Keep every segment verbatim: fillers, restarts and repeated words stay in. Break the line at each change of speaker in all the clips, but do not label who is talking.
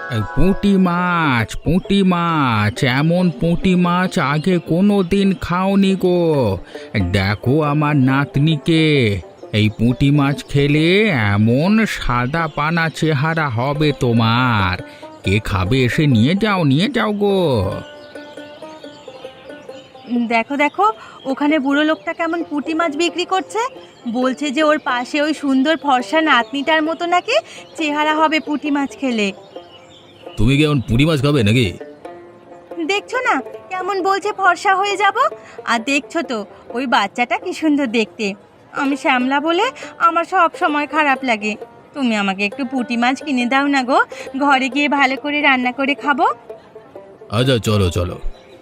এই পুঁটি মাছ, পুঁটি মাছ, এমন পুঁটি মাছ আগে কোনো দিন খাওনি গো। দেখো আমার নাতনিকে, এই পুঁটি মাছ খেলে এমন সাদা পানা চেহারা হবে তোমার। কে খাবে এসে নিয়ে যাও, নিয়ে যাও গো।
উম, দেখো দেখো, ওখানে বুড়ো লোকটা কেমন পুঁটি মাছ বিক্রি করছে। বলছে যে ওর পাশে ওই সুন্দর ফর্সা নাতনিটার মতো নাকি চেহারা হবে পুঁটি মাছ খেলে।
তুমি কি এমন পুঁটি মাছ খাবে নাকি?
দেখছো না কেমন বলছে ফর্সা হয়ে যাব। আর দেখছো তো ওই বাচ্চাটা কি সুন্দর দেখতে। আমি শ্যামলা বলে আমার সব সময় খারাপ লাগে। তুমি আমাকে একটু পুঁটি মাছ কিনে দাও না গো, ঘরে গিয়ে ভালো করে রান্না করে খাবো।
আচ্ছা চলো চলো।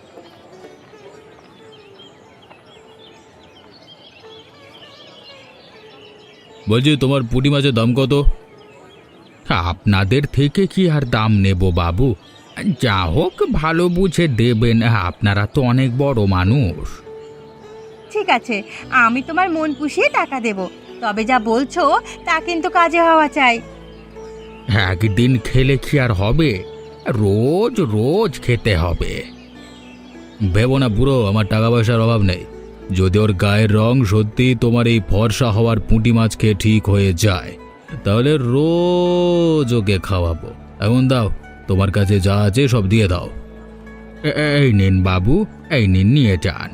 বলছি তোমার পুঁটি মাছের দাম কত? আপনাদের থেকে কি আর দাম নেব বাবু, যা হোক ভালো বুঝে দেবেন, আপনারা তো অনেক বড় মানুষ।
ঠিক আছে, আমি তোমার মন পুষিয়ে টাকা দেব, তবে যা বলছো তা কিন্তু কাজে হওয়া চাই।
একদিন খেলে কি আর হবে, রোজ রোজ খেতে হবে। ভেবো না বুড়ো, আমার টাকা পয়সার অভাব নেই। যদি ওর গায়ের রং সত্যি তোমার এই ফর্সা হওয়ার পুঁটি মাছ খেয়ে ঠিক হয়ে যায়, তাহলে রোজ ওকে খাওয়াবো। এখন দাও, তোমার কাছে যা আছে সব দিয়ে দাও। এ- এই নিন বাবু, এই নিন, নিয়ে যান।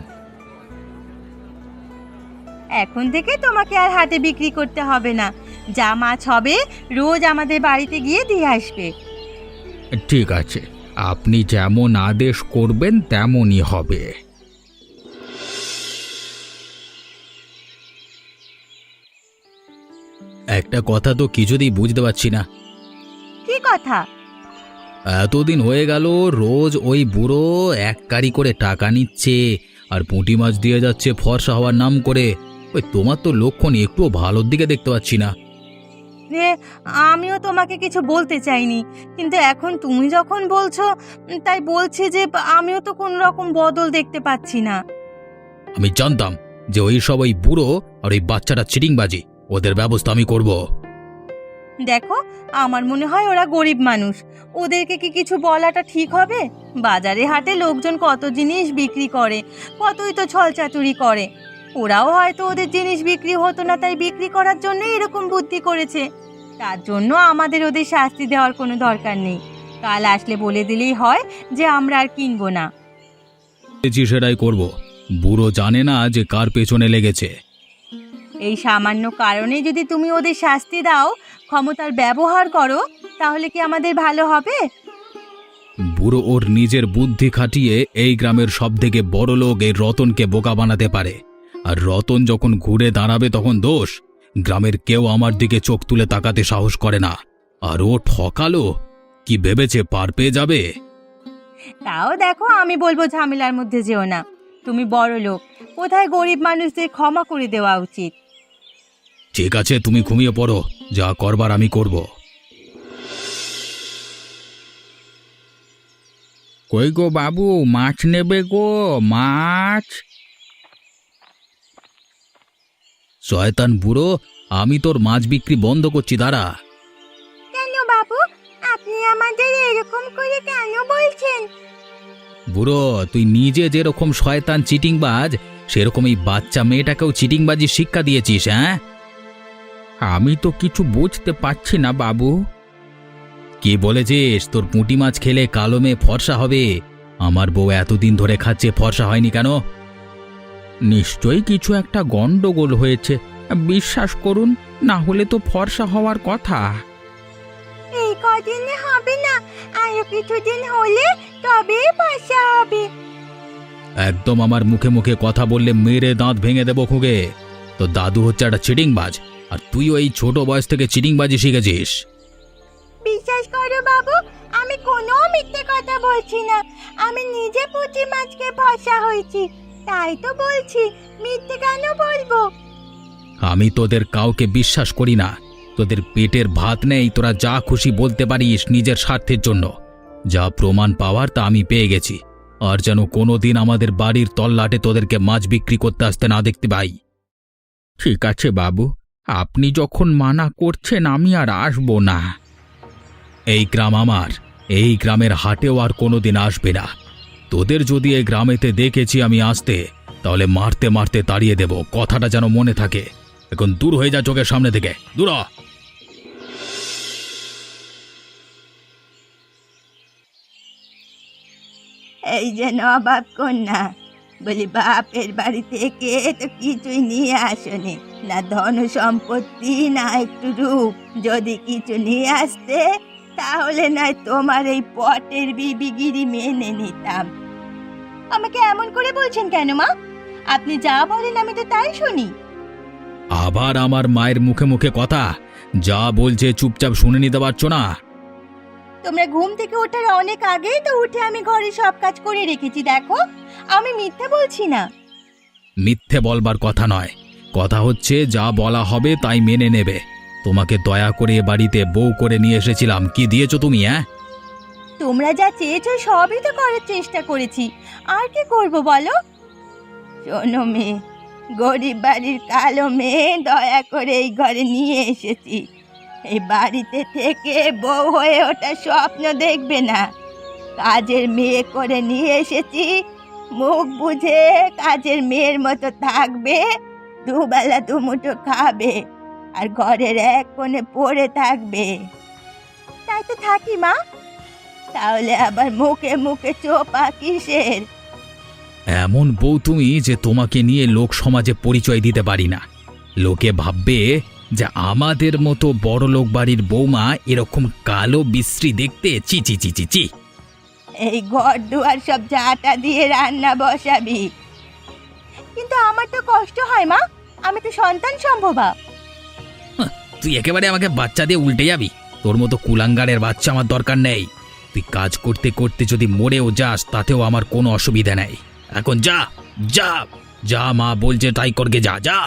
এখন থেকে তোমাকে আর হাটে বিক্রি করতে হবে না, যা মাছ হবে রোজ আমাদের বাড়িতে গিয়ে দিয়ে আসবে।
ঠিক আছে, আপনি যেমন আদেশ করবেন তেমনই হবে। একটা কথা তো কিছুতেই বুঝতে পারছি না।
কি কথা?
এতদিন হয়ে গেল রোজ ওই বুড়ো এক কারি করে টাকা নিচ্ছে আর পুঁটি মাছ দিয়ে যাচ্ছে ফর্সা হওয়ার নাম করে। ওই তোমার তো লক্ষণ একটু ভালোর দিকে দেখতে পাচ্ছি না।
রে, আমিও তোমাকে কিছু বলতে চাইনি, কিন্তু এখন তুমি যখন বলছো উম, তাই বলছি যে আমিও তো কোনো রকম বদল দেখতে পাচ্ছি না।
আমি জানতাম যে ওই সব ওই বুড়ো আর ওই বাচ্চাটা চিটিংবাজি, ওদের ব্যবস্থা আমি করব।
দেখো, আমার মনে হয় ওরা গরিব মানুষ, ওদেরকে কি কিছু বলাটা ঠিক হবে? বাজারে হাটে লোকজন কত জিনিস বিক্রি করে, কতই তো ছলচাতুরি করে। ওরাও হয়তো ওদের জিনিস বিক্রি হতো না তাই বিক্রি করার জন্য এরকম বুদ্ধি করেছে। তার জন্য আমাদের ওদের শাস্তি দেওয়ার কোনো দরকার নেই। কাল আসলে বলে দিলেই হয় যে আমরা আর কিনবো না।
সেটাই করব। বুড়ো জানে না যে কার পেছনে লেগেছে।
এই সামান্য কারণে যদি তুমি ওদের শাস্তি দাও, ক্ষমতার ব্যবহার করো, তাহলে কি আমাদের ভালো হবে?
বুড়ো ওর নিজের বুদ্ধি খাটিয়ে এই গ্রামের সবথেকে বড় লোক এই রতনকে বোকা বানাতে পারে। আর রতন যখন ঘুরে দাঁড়াবে তখন দোষ। গ্রামের কেউ আমার দিকে চোখ তুলে তাকাতে সাহস করে না। আর ও ঠকালো, কি ভেবেছে পার পেয়ে যাবে?
তাও দেখো, আমি বলবো ঝামেলার মধ্যে যেও না। তুমি বড় লোক, কোথায় গরিব মানুষদের ক্ষমা করে দেওয়া উচিত।
ঠিক আছে, তুমি ঘুমিয়ে পড়ো, যা করবার আমি করব। কই গো বাবু, মাছ নেবে গো, মাছ? শয়তান বুড়ো, আমি তোর মাছ বিক্রি বন্ধ করছি, দাঁড়া।
কেন বাবু, আপনি আমাদের এরকম করে কেন বলছেন?
বুড়ো, তুই নিজে যেরকম শয়তান চিটিংবাজ, সেরকম এই বাচ্চা মেয়েটাকেও চিটিংবাজি শিক্ষা দিয়েছিস, হ্যাঁ? আমি তো কিছু বুঝতে পারছি না বাবু। কি বলেছিস তোর পুঁটি মাছ খেলে কালো মেয়ে ফর্সা হবে? আমার বউ এতদিন ধরে খাচ্ছে, ফর্সা হয়নি কেন? নিশ্চয়ই কিছু একটা গন্ডগোল হয়েছে, বিশ্বাস করুন, না হলে তো ফর্সা হওয়ার কথা।
এই কদিনে হবে না, আরো কিছুদিন হলে তবেই ফসা হবে।
একদম আমার মুখে মুখে কথা বললে মেরে দাঁত ভেঙে দেবো খুগে। তো দাদু হচ্ছে একটা চিটিংবাজ, আর তুইও এই ছোট বয়স থেকে চিটিংবাজি শিখেছিস।
বিশ্বাস করো বাবু, আমি কোনো মিথ্যে কথা বলছি না। আমি নিজে পুঁটি মাছকে ফসা হয়েছি, তাই তো বলছি, মিথ্যে কেন বলবো?
আমি তোদের কাউকে বিশ্বাস করি না। তোদের পেটের ভাত নেই, তোরা যা খুশি বলতে পারিস নিজের স্বার্থের জন্য। যা প্রমাণ পাওয়ার তা আমি পেয়ে গেছি। আর যেন কোনোদিন আমাদের বাড়ির তল্লাটে তোদেরকে মাছ বিক্রি করতে আসতে না দেখতে পাই। ঠিক আছে বাবু, আপনি যখন মানা করছেন আমি আর আসবো না। এই গ্রাম আমার, এই গ্রামের হাটেও আর কোনোদিন আসবে না। তোদের যদি এই গ্রামেতে দেখেছি আমি আসতে, তাহলে মারতে মারতে তাড়িয়ে দেব, কথাটা যেন মনে থাকে। এখন দূর হয়ে যা চোখের সামনে থেকে, দূর হ।
এই যে নবাব কন্যা, বলি বাপের বাড়ি থেকে তো কিছুই নিয়ে আসনি, না ধন সম্পত্তি না একটু রূপ। যদি কিছু নিয়ে আসতে তাহলে নয় তোমার এই পটের বিবিগিরি মেনে নিতাম। আমাকে এমন করে বলছেন কেন মা? আপনি যা বলেন আমি তো তাই শুনি।
আবার আমার মায়ের মুখে মুখে কথা, যা বলছে চুপচাপ শুনে নিতে পারছো না?
তোমরা ঘুম থেকে ওঠার অনেক আগেই তো উঠে আমি ঘরে সব কাজ করে রেখেছি, দেখো আমি মিথ্যে বলছি না।
মিথ্যে বলবার কথা নয়, কথা হচ্ছে যা বলা হবে তাই মেনে নেবে। তোমাকে দয়া করে এ বাড়িতে বউ করে নিয়ে এসেছিলাম, কি দিয়েছো তুমি? হ্যাঁ,
তোমরা যা চেয়েছো সবই তো করার চেষ্টা করেছি, আর কি করব বলো? শোনো মেয়ে, গরিব বাড়ির কালো মেয়ে দয়া করে এই ঘরে নিয়ে এসেছি। এই বাড়িতে থেকে বউ হয়ে ওটা স্বপ্ন দেখবে না। কাজের মেয়ে করে নিয়ে এসেছি, মুখ বুঝে কাজের মেয়ের মতো থাকবে, দুবেলা দুমুঠো খাবে, আর ঘরের এক কোণে পড়ে থাকবে। তাই তো থাকি মা। তাহলে আবার মুখে মুখে চোপা কিসের?
এমন বউ তুমি যে তোমাকে নিয়ে লোক সমাজে পরিচয় দিতে পারি না। লোকে ভাববে যে আমাদের মতো বড় লোক বাড়ির বৌমা এরকম কালো বিশ্রী দেখতে। চি চি চি চি চি।
এই ঘর দুয়ার সব ঝাঁটা দিয়ে রান্না বসাবি। কিন্তু আমার তো কষ্ট হয় মা, আমি তো সন্তান সম্ভবা।
তুই একেবারে আমাকে বাচ্চা দিয়ে উল্টে যাবি। তোর মতো কুলাঙ্গারের বাচ্চা আমার দরকার নেই। তুই কাজ করতে করতে যদি মরেও যাস তাতেও আমার কোনো অসুবিধা নেই। এখন যা যা যা, মা বলছে তাই করকে যা যা।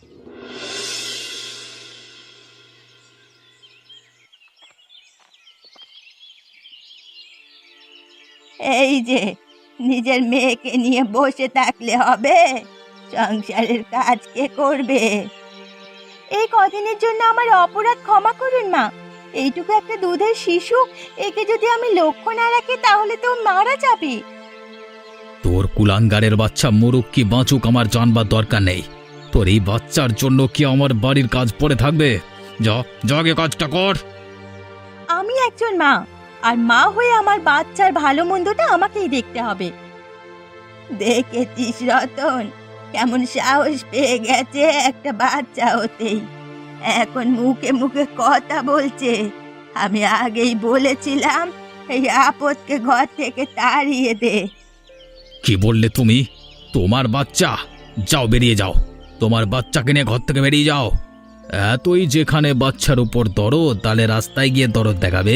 এই যে নিজের মেয়েকে নিয়ে বসে থাকলে হবে? সংসারের কাজ কে করবে? এই কদিনের জন্য আমার অপরাধ ক্ষমা করুন মা। এইটুকু একটা দুধের শিশু, একে যদি আমি লক্ষ্য না রাখি তাহলে তো ও মারা যাবে।
তোর কুলাঙ্গারের বাচ্চা মরুক কি বাঁচুক আমার জানবার দরকার নেই। তোর এই বাচ্চার জন্য কি আমার বাড়ির কাজ পড়ে থাকবে? যা যাগে কাজটা কর।
আমি একজন মা, আর মা হয়ে আমার বাচ্চার ভালো মন্দটা আমাকেই দেখতে হবে। দেখেছিস রতন, কেমন সাহস পেয়ে গেছে একটা বাচ্চা হতেই, এখন মুখে মুখে কথা বলছে। আমি আগেই বলেছিলাম এই আপদকে ঘর থেকে তাড়িয়ে দে।
কি বললে তুমি? তোমার বাচ্চা? যাও বেরিয়ে যাও, তোমার বাচ্চাকে নিয়ে ঘর থেকে বেরিয়ে যাও। এতই যেখানে বাচ্চার উপর দরদ, তাহলে রাস্তায় গিয়ে দরদ দেখাবে।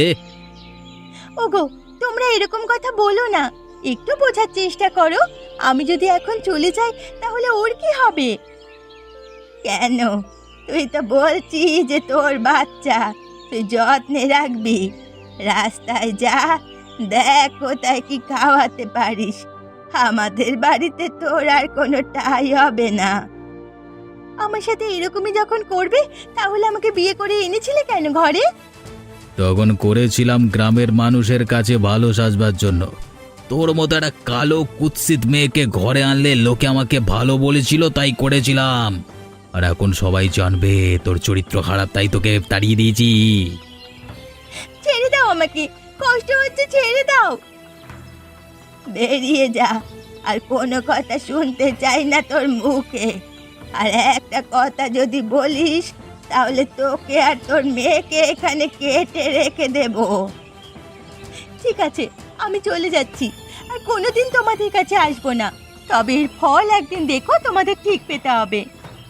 ওগো, তোমরা এরকম কথা বলো না, একটু বোঝার চেষ্টা করো। আমি যদি এখন চলে যাই তাহলে ওর কি হবে? কেন? তুই তো বলছিস যে তোর বাচ্চা তুই যত্নে রাখবি। রাস্তায় যা, দেখ কোথায় কি খাওয়াতে পারিস। আমাদের বাড়িতে তোর আর কোনো ঠাঁই হবে না। আমার সাথে এরকমই যখন করবে তাহলে আমাকে বিয়ে করে এনেছিলে কেন ঘরে?
তখন করেছিলাম গ্রামের মানুষের কাছে ভালো সাজবার জন্য। তোর মতো একটা কালো কুৎসিত মেয়েকে ঘরে আনলে লোকে আমাকে ভালো বলেছিল, তাই করেছিলাম। আর এখন সবাই জানবে তোর চরিত্র খারাপ, তাই তোকে তাড়িয়ে দিয়েছি।
ছেড়ে দাও আমাকে, কষ্ট হচ্ছে, ছেড়ে দাও। বেরিয়ে যা, আর কোনো কথা শুনতে চাই না তোর মুখে। আর একটা কথা যদি বলিস তাহলে তোকে আর তোর মেয়েকে এখানে কেটে রেখে দেব। ঠিক আছে, আমি চলে যাচ্ছি, আর কোনোদিন তোমাদের কাছে আসবো না। তবে এর ফল একদিন দেখো তোমাদের ঠিক পেতে হবে।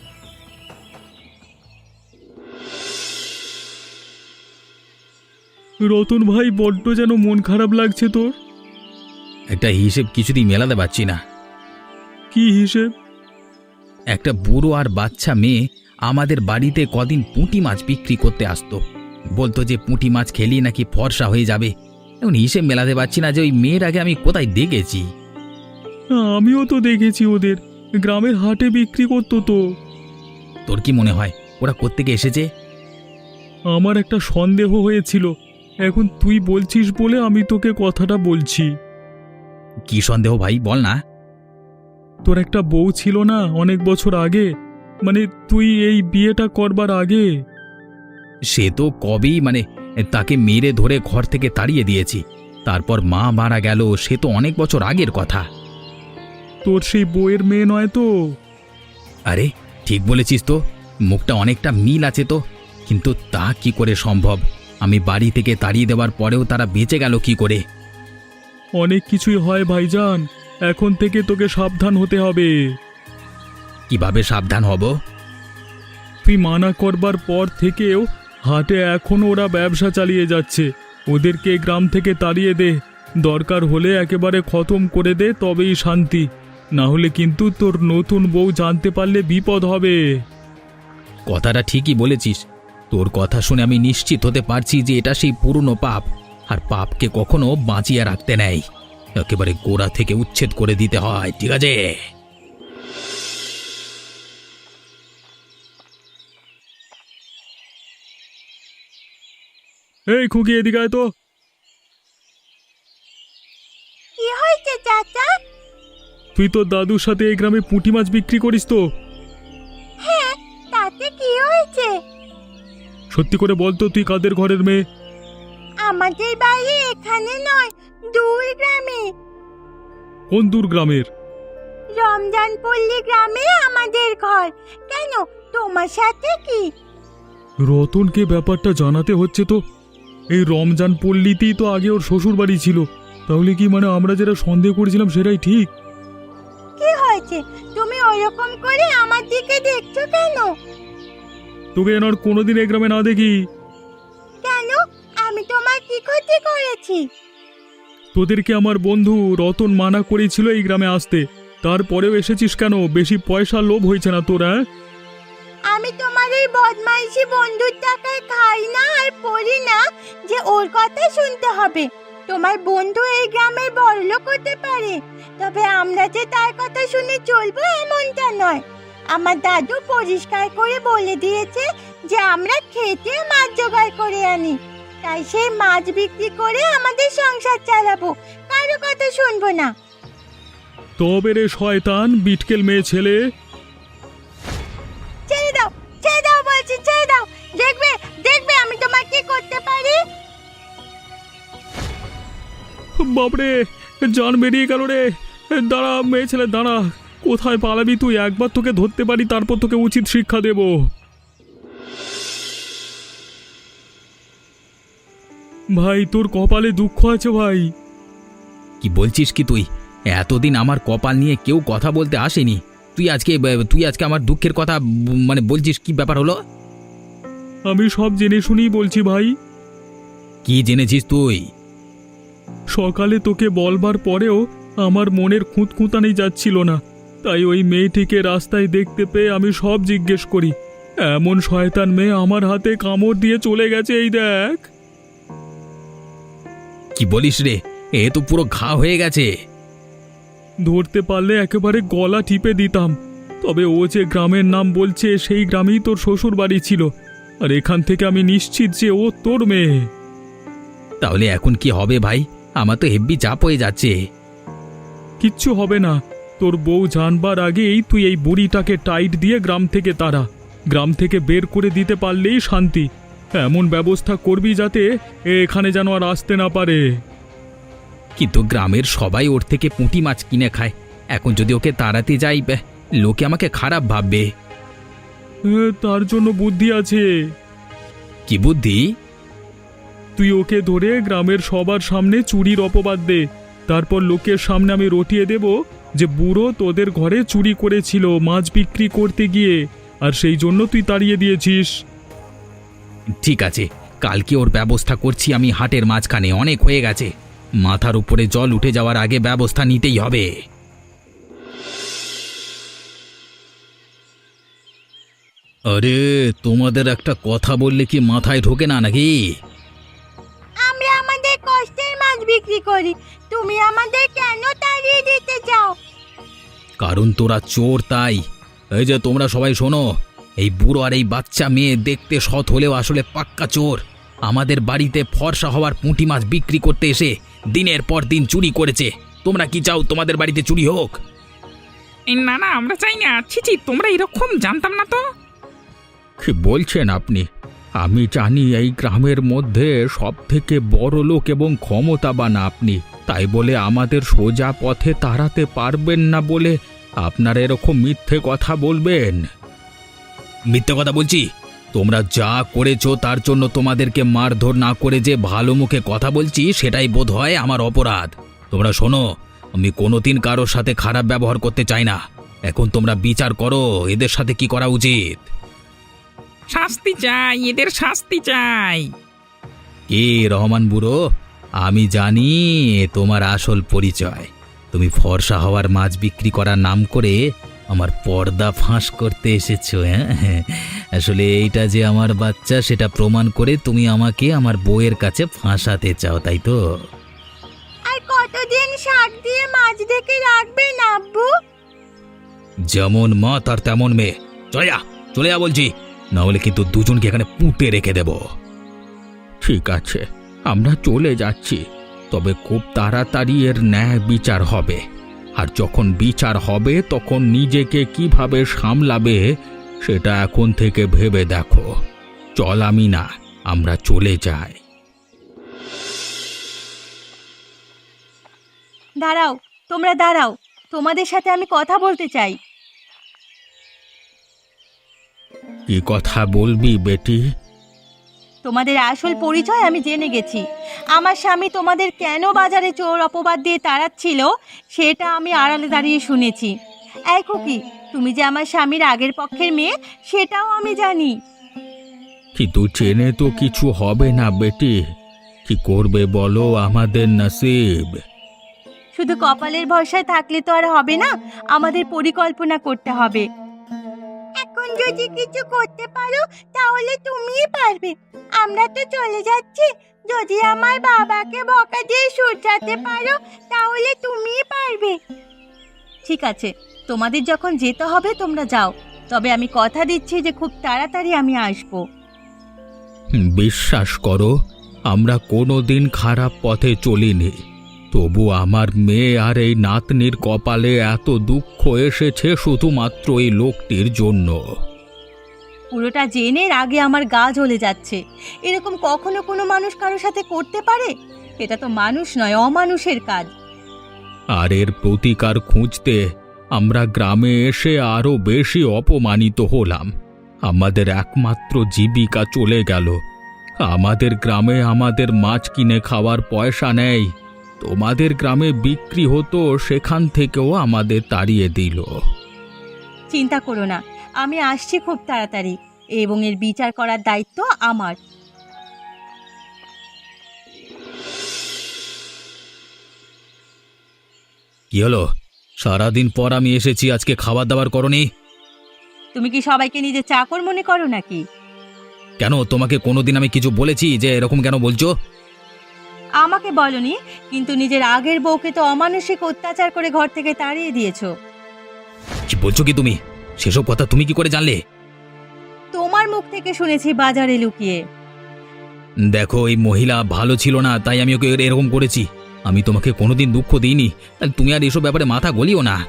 রতন ভাই, বড্ড যেন মন খারাপ লাগছে তোর।
একটা হিসেব কিছুতেই মেলাতে পারছি না।
কি হিসেব?
একটা বুড়ো আর বাচ্চা মেয়ে আমাদের বাড়িতে কদিন পুঁটি মাছ বিক্রি করতে আসতো। বলতো যে পুঁটি মাছ খেলি নাকি ফর্সা হয়ে যাবে। এখন হিসেব মেলাতে পারছি না যে ওই মেয়ের আগে আমি কোথায় দেখেছি।
আমিও তো দেখেছি, ওদের গ্রামের হাটে বিক্রি করতো তো।
তোর কি মনে হয় ওরা কোত্থেকে এসেছে?
আমার একটা সন্দেহ হয়েছিল, এখন তুই বলছিস বলে আমি তোকে কথাটা বলছি।
কি সন্দেহ ভাই, বল না।
তোর একটা বউ ছিল না অনেক বছর আগে, মানে তুই এই বিয়েটা করবার আগে?
সে তো কবেই, মানে তাকে মেরে ধরে ঘর থেকে তাড়িয়ে দিয়েছি। তারপর মা মারা গেল, সে তো অনেক বছর আগের কথা।
তোর সেই বউয়ের মেয়ে নয় তো?
আরে ঠিক বলেছিস তো, মুখটা অনেকটা মিল আছে তো। কিন্তু তা কি করে সম্ভব? আমি বাড়ি থেকে তাড়িয়ে দেওয়ার পরেও তারা বেঁচে গেল কি করে?
অনেক কিছুই হয় ভাইজান, এখন থেকে তোকে সাবধান হতে হবে।
কিভাবে সাবধান হব?
তুই মানা করবার পর থেকেও হাটে এখনো ওরা ব্যবসা চালিয়ে যাচ্ছে। ওদেরকে গ্রাম থেকে তাড়িয়ে দে, দরকার হলে একেবারে খতম করে দে, তবেই শান্তি। না হলে কিন্তু তোর নতুন বউ জানতে পারলে বিপদ হবে।
কথাটা ঠিকই বলেছিস। তোর কথা শুনে আমি নিশ্চিত হতে পারছি যে এটা সেই পুরনো পাপ, আর পাপকে কখনো বাঁচিয়ে রাখতে নেই, একেবারে গোড়া থেকে উচ্ছেদ করে দিতে হয়। ঠিক আছে?
এই খুকি, এদিকে আয় তো।
কি হয়েছে চাচা?
তুই তোর দাদুর সাথে এই গ্রামে পুঁটি মাছ বিক্রি করিস তো?
হ্যাঁ, তাতে কি হয়েছে?
সত্যি করে বল তো, তুই কাদের ঘরের মেয়ে?
আমাদের বাড়ি এখানে নয়, দূর গ্রামে।
কোন দূর গ্রামের?
রমজানপল্লী গ্রামে আমাদের ঘর। কেন, তোমার সাথে কি?
রতনকে ব্যাপারটা জানাতে হচ্ছে তো। এই রমজান পল্লীতেই তো আগে ওর শ্বশুর বাড়ি ছিল। তাহলে কি মানে আমরা যেটা সন্দেহ করেছিলাম সেটাই ঠিক?
কি হয়েছে? তুমি ওরকম করে আমার দিকে দেখছো কেন?
তোকে যেন আর কোনোদিন এই গ্রামে না দেখি।
কেন, আমি তোমার কি ক্ষতি করেছি?
তোদেরকে আমার বন্ধু রতন মানা করেছিল এই গ্রামে আসতে, তারপরেও এসেছিস কেন? বেশি পয়সা লোভ হয়েছে না তোর? হ্যাঁ,
আমি তোমার এই বদমাইশি বন্ধুর টাকায় খাই না আর পড়ি না যে ওর কথা শুনতে হবে। তোমার বন্ধু এই গ্রামের বড়লোক হতে পারে, তবে আমরা যে তার কথা শুনে চলবো এমনটা নয়। আমার দাদু পরিষ্কার করে বলে দিয়েছে যে আমরা খেতে মাছ জোগাড় করে আনি, তাই সেই মাছ বিক্রি করে আমাদের সংসার চালাবো, কারো কথা শুনবো না।
তবে রে শয়তান বিটকেল মেয়ে ছেলে,
ছেড়ে দাও, ছেড়ে দাও বলছি, ছেড়ে দাও। দেখবে, দেখবে আমি তোমার কি করতে পারি।
বাপরে, জান বেরিয়ে গেল রে। দাঁড়া মেয়ে ছেলে, দাঁড়া। কোথায় পালাবি তুই? একবার তোকে ধরতে পারি, তারপর তোকে উচিত শিক্ষা দেব। ভাই, তোর কপালে দুঃখ আছে ভাই।
কি বলছিস কি তুই? এতদিন আমার কপাল নিয়ে কেউ কথা বলতে আসেনি, তুই আজকে তুই আজকে আমার দুঃখের কথা ব- মানে বলছিস? কি ব্যাপার হলো?
আমি সব জেনে শুনেই বলছি ভাই।
কি জেনেছিস তুই?
সকালে তোকে বলবার পরেও আমার মনের খুঁতখুঁতানি যাচ্ছিল না, তাই ওই মেয়েটিকে রাস্তায় দেখতে পেয়ে আমি সব জিজ্ঞেস করি। এমন শয়তান মেয়ে আমার হাতে কামড় দিয়ে চলে গেছে, এই দেখ।
কি বলিস রে? এ তো পুরো ঘা হয়ে গেছে।
ধরতে পারলে একেবারে গলা টিপে দিতাম, তবে ও যে গ্রামের নাম বলছে সেই গ্রামেই তোর শ্বশুর বাড়ি ছিল, আর এখান থেকে আমি নিশ্চিত যে ও তোর মেয়ে।
তাহলে এখন কি হবে ভাই? আমার তো হেব্বি চাপ হয়ে যাচ্ছে।
কিচ্ছু হবে না, তোর বউ জানবার আগেই তুই এই বুড়িটাকে টাইট দিয়ে গ্রাম থেকে তাড়া। গ্রাম থেকে বের করে দিতে পারলেই শান্তি। এমন ব্যবস্থা করবি যাতে এ এখানে যেন আর আসতে না পারে।
কিন্তু গ্রামের সবাই ওর থেকে পুঁটি মাছ কিনে খায়, এখন যদি ওকে তাড়াতে যাই, ব্যাহ, লোকে আমাকে খারাপ ভাববে।
এ, তার জন্য বুদ্ধি আছে।
কি বুদ্ধি?
তুই ওকে ধরে গ্রামের সবার সামনে চুরির অপবাদ দে, তারপর লোকের সামনে আমি রটিয়ে দেব যে বুড়ো তোদের ঘরে চুরি করেছিল মাছ বিক্রি করতে গিয়ে, আর সেই জন্য তুই তাড়িয়ে দিয়েছিস।
ঠিক আছে, কালকে ওর ব্যবস্থা করছি আমি। হাটের মাঝখানে অনেক হয়ে গেছে, মাথার উপরে জল উঠে যাওয়ার আগে ব্যবস্থা নিতেই হবে। আরে তোমাদের একটা কথা বললে কি মাথায় ঢোকে না নাকি?
আমরা আমাদের কষ্টের মাছ বিক্রি করি, তুমি আমাদের কেন তাড়িয়ে দিতে চাও?
কারণ তোরা চোর, তাই। এই যে তোমরা সবাই শোনো, এই বুড়ো আর এই বাচ্চা মেয়ে দেখতে সৎ হলেও আসলে পাক্কা চোর। আমাদের বাড়িতে ফর্সা হওয়ার পুঁটি মাছ বিক্রি করতে এসে দিনের পর দিন চুরি করেছে। তোমরা কি চাও তোমাদের বাড়িতে চুরি হোক?
এই না না, আমরা চাই না। ছি ছি, তোমরা এরকম জানতাম না তো।
কি বলছেন আপনি? আমি জানি এই গ্রামের মধ্যে সব থেকে বড় লোক এবং ক্ষমতাবান আপনি, তাই বলে আমাদের সোজা পথে তাড়াতে পারবেন না বলে আপনারা এরকম মিথ্যে কথা বলবেন?
মিথ্যে কথা বলছি? তোমরা যা করেছো তার জন্য তোমাদেরকে মারধর না করে যে ভালো মুখে কথা বলছি সেটাই বোধ হয় আমার অপরাধ। তোমরা শোনো, আমি কোনোদিন কারোর সাথে খারাপ ব্যবহার করতে চাই না। এখন তোমরা বিচার করো এদের সাথে কি করা উচিত।
শাস্তি চাই, এদের শাস্তি চাই।
এ রহমান বুড়ো, আমি জানি তোমার আসল পরিচয়। তুমি ফর্সা হওয়ার মাছ বিক্রি করার নাম করে আমার পর্দা ফাঁস করতে এসেছো। হ্যাঁ, আসলে এইটা যে আমার বাচ্চা সেটা প্রমাণ করে তুমি আমাকে আমার বউয়ের কাছে ফাঁসাতে চাও, তাই তো?
আর কতদিন শাক দিয়ে মাছ দেখে রাখবেন আব্বু?
যেমন মা তার তেমন মেয়ে। চলে যা, চলে যা বলছি, না হলে কিন্তু দুজনকে এখানে পুঁতে রেখে দেব।
ঠিক আছে, আমরা চলে যাচ্ছি, তবে খুব তাড়াতাড়ি এর ন্যায় বিচার হবে। আর যখন বিচার হবে তখন নিজেকে কিভাবে সামলাবে সেটা এখন থেকে ভেবে দেখো। চল আমি না, আমরা চলে যাই।
দাঁড়াও, তোমরা দাঁড়াও, তোমাদের সাথে আমি কথা বলতে চাই।
কি কথা বলবি বেটি?
তোমাদের আসল পরিচয় আমি জেনে গেছি। আমার স্বামী তোমাদের কেন বাজারে চোর অপবাদ দিয়ে তাড়াচ্ছিল সেটা আমি আড়ালে দাঁড়িয়ে শুনেছি। এই খুকি, তুমি যে আমার স্বামীর আগের পক্ষের মেয়ে সেটাও আমি জানি।
কিন্তু চেনে তো কিছু হবে না বেটি, কি করবে বলো, আমাদের নসিব।
শুধু কপালের ভরসায় থাকলে তো আর হবে না, আমাদের পরিকল্পনা করতে হবে। এখন যদি কিছু করতে পারো তাহলে তুমিই পারবে। আমরা তো চলে যাচ্ছি, যদি আমার বাবাকে বকা দিয়ে শুধরাতে পারো তাহলে তুমিই পারবে। ঠিক আছে, তোমাদের যখন যেতে হবে তোমরা যাও, তবে আমি কথা দিচ্ছি যে খুব তাড়াতাড়ি আমি আসবো।
বিশ্বাস করো, আমরা কোনোদিন খারাপ পথে চলিনি, তবু আমার মেয়ে আর এই নাতনির কপালে এত দুঃখ এসেছে শুধুমাত্র এই লোকটির জন্য।
পুরোটা জেনে আগে আমার গা জ্বলে যাচ্ছে। এরকম কখনো কোনো মানুষ কারোর সাথে করতে পারে? এটা তো মানুষ নয়, অমানুষের কাজ।
আর এর প্রতিকার খুঁজতে আমরা গ্রামে এসে আরো বেশি অপমানিত হলাম। আমাদের একমাত্র জীবিকা চলে গেল। আমাদের গ্রামে আমাদের মাছ কিনে খাওয়ার পয়সা নেই। তোমাদের গ্রামে বিক্রি হতো, সেখান থেকেও আমাদের তাড়িয়ে দিল।
চিন্তা করো না, আমি আসছি খুব তাড়াতাড়ি এবং এর বিচার করার দায়িত্ব আমার।
কি হলো? সারাদিন পর আমি এসেছি, আজকে খাবার দাবার করনি?
তুমি কি সবাইকে নিজে চাকর মনে করো নাকি?
কেন, তোমাকে কোনোদিন আমি কিছু বলেছি যে এরকম কেন বলছো?
আমাকে বলনি, কিন্তু নিজের আগের বউকে তো অমানসিক অত্যাচার করে ঘর থেকে তাড়িয়ে দিয়েছো।
কি বলছো কি তুমি? সেসব কথা তুমি কি করে জানলে?
তোমার মুখ থেকে শুনেছি বাজারে লুকিয়ে।
দেখো, এই মহিলা ভালো ছিল না, তাই আমি ওকে এরকম করেছি। আমি তোমাকে কোনোদিন দুঃখ দিইনি, তাহলে তুমি আর এসব ব্যাপারে মাথা গলিও না।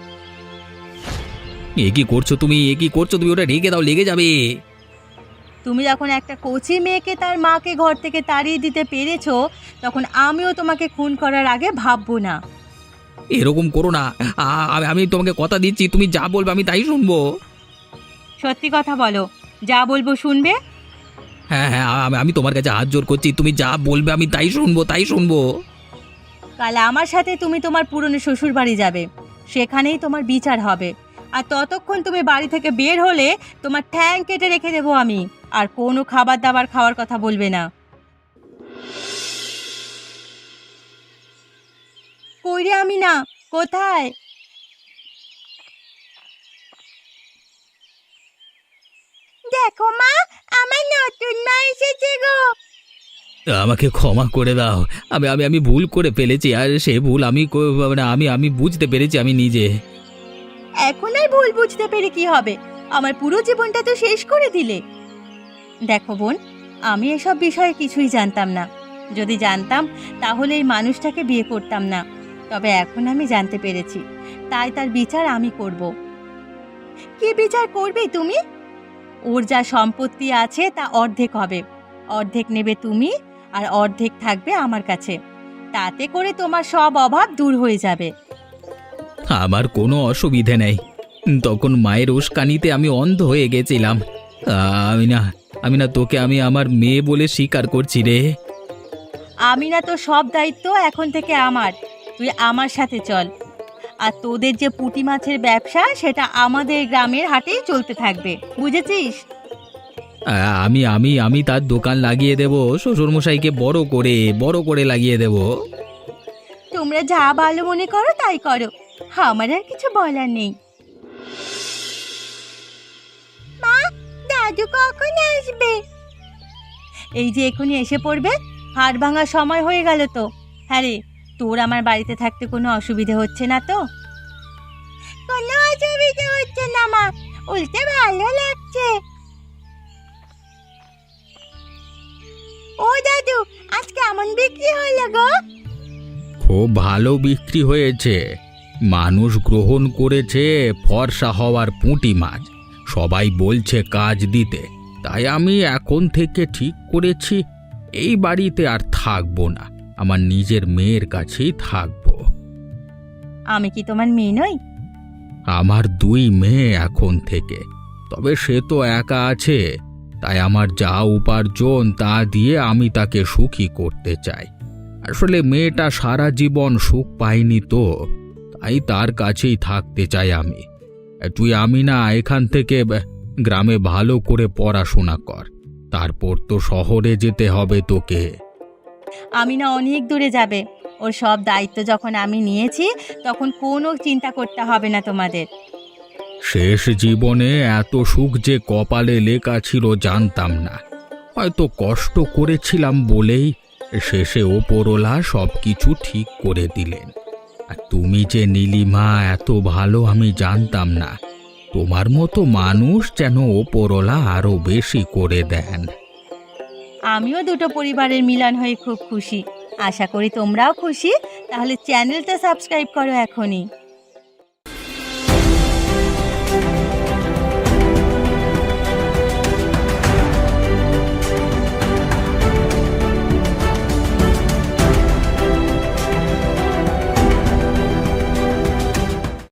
এ কি করছো তুমি? এ কি করছো তুমি? ওটা রেখে দাও, লেগে যাবে।
তুমি যখন একটা কচি মেয়েকে তার মাকে ঘর থেকে তাড়িয়ে দিতে পেরেছো, তখন আমিও তোমাকে খুন করার আগে ভাববো না।
এরকম করো না। আ- আমি- আমি তোমাকে কথা দিচ্ছি, তুমি যা বলবে আমি তাই শুনবো।
সত্যি কথা বলো, যা বলবো শুনবে?
হ্যাঁ হ্যাঁ, আমি- আমি তোমার কাছে হাত জোর করছি, তুমি যা বলবে আমি তাই শুনবো, তাই শুনবো।
কাল আমার সাথে তুমি তোমার পুরনো শ্বশুর বাড়ি যাবে, সেখানেই তোমার বিচার হবে। আর ততক্ষণ তুমি বাড়ি থেকে বের হলে তোমার ঠ্যাং কেটে রেখে দেবো আমি। আর কোনো খাবার দাবার খাওয়ার কথা বলবে না। কই রে আমি না, কোথায়? দেখো মা, আমার নতুন মা এসেছে গো।
আমাকে ক্ষমা করে দাও, আমি আমি আমি ভুল করে ফেলেছি, আর সে ভুল আমি কো- মানে আমি আমি বুঝতে পেরেছি আমি নিজে।
এখন আর ভুল বুঝতে পেরে কি হবে? আমার পুরো জীবনটা তো শেষ করে দিলে। দেখো বোন, আমি এসব বিষয়ে কিছুই জানতাম না। যদি জানতাম তাহলে এই মানুষটাকে বিয়ে করতাম না। তবে এখন আমি জানতে পেরেছি, তাই তার বিচার আমি করব। কি বিচার করবে তুমি? ওর যা সম্পত্তি আছে তা অর্ধেক হবে, অর্ধেক নেবে তুমি আর অর্ধেক থাকবে আমার কাছে। তাতে করে তোমার সব অভাব দূর হয়ে যাবে।
আমার কোনো অসুবিধে নেই। তখন মায়ের উস্কানিতে আমি অন্ধ হয়ে গেছিলাম। আমি না আমি না তোকে আমি আমার মেয়ে বলে স্বীকার করছি রে।
আমি না, তো সব দায়িত্ব এখন থেকে আমার। তুই আমার সাথে চল। আর তোদের যে পুঁটি মাছের ব্যবসা সেটা আমাদের গ্রামের হাটেই চলতে থাকবে, বুঝেছিস?
আ, আমি আমি আমি তার দোকান লাগিয়ে দেব, শ্বশুরমশাইকে বড় করে বড় করে লাগিয়ে দেব।
তোমরা যা ভালো মনে করো তাই করো, আমার আর কিছু বলার নেই। মা, দাদু কখন আসবে? এই যে এখনই এসে পড়বে। হাড় ভাঙার সময় হয়ে গেল তো। হ্যাঁ রে, তোর আমার বাড়িতে থাকতে কোনো অসুবিধে হচ্ছে না তো? কোনো অসুবিধে হচ্ছে না মা, উল্টে ভালো লাগছে। ও দাদু, আজ কেমন বিক্রি হলো গো?
খুব ভালো বিক্রি হয়েছে। মানুষ গ্রহণ করেছে ফর্সা হওয়ার পুঁটি মাছ। সবাই বলছে কাজ দিতে, তাই আমি এখন থেকে ঠিক করেছি এই বাড়িতে আর থাকবো না, আমার নিজের মেয়ের কাছেই থাকবো।
আমি কি তোমার মেয়ে নই?
আমার দুই মেয়ে এখন থেকে, তবে সে তো একা আছে, তাই আমার যা উপার্জন তা দিয়ে আমি তাকে সুখী করতে চাই। আসলে মেয়েটা সারা জীবন সুখ পায়নি তো, তাই তার কাছেই থাকতে চাই আমি। তুই আমি না এখান থেকে গ্রামে ভালো করে পড়াশোনা কর, তারপর তো শহরে যেতে হবে তোকে।
আমি না অনেক দূরে যাবে, ওর সব দায়িত্ব যখন আমি নিয়েছি তখন কোনো চিন্তা করতে হবে না তোমাদের।
শেষ জীবনে এত সুখ যে কপালে লেখা ছিল জানতাম না। হয়তো কষ্ট করেছিলাম বলেই শেষে ওপরওয়ালা সব কিছু ঠিক করে দিলেন। আর তুমি যে নীলিমা এত ভালো আমি জানতাম না। তোমার মতো মানুষ যেন ওপরওয়ালা আরো বেশি করে দেন।
আমিও দুটো পরিবারের মিলন হয়ে খুব খুশি। আশা করি তোমরাও খুশি। তাহলে চ্যানেলটা সাবস্ক্রাইব করো এখনই।